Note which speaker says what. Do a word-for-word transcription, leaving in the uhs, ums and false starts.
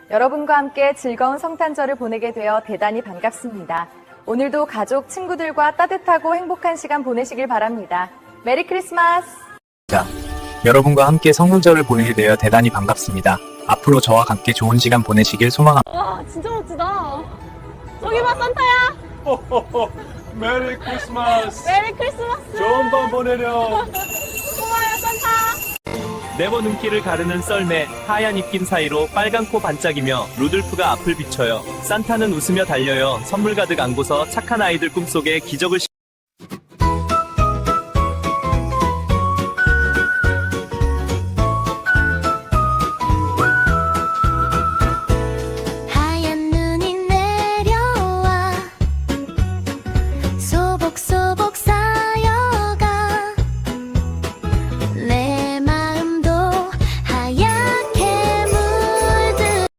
Speaker 1: 여러분과 함께 즐거운 성탄절을 보내게 되어 대단히 반갑습니다. 오늘도 가족, 친구들과 따뜻하고 행복한 시간 보내시길 바랍니다. 메리 크리스마스!
Speaker 2: 자, 여러분과 함께 성탄절을 보내게 되어 대단히 반갑습니다. 앞으로 저와 함께 좋은 시간 보내시길 소망합니다.
Speaker 3: 와, 진짜 멋지다. 저기 봐, 산타야.
Speaker 4: 호호호, 메리 크리스마스.
Speaker 3: 메리 크리스마스.
Speaker 4: 좋은 밤 보내렴.
Speaker 3: 고마워요, 산타.
Speaker 5: 네모 눈길을 가르는 썰매, 하얀 입김 사이로 빨간 코 반짝이며 루돌프가 앞을 비춰요. 산타는 웃으며 달려요. 선물 가득 안고서 착한 아이들 꿈속에 기적을 시...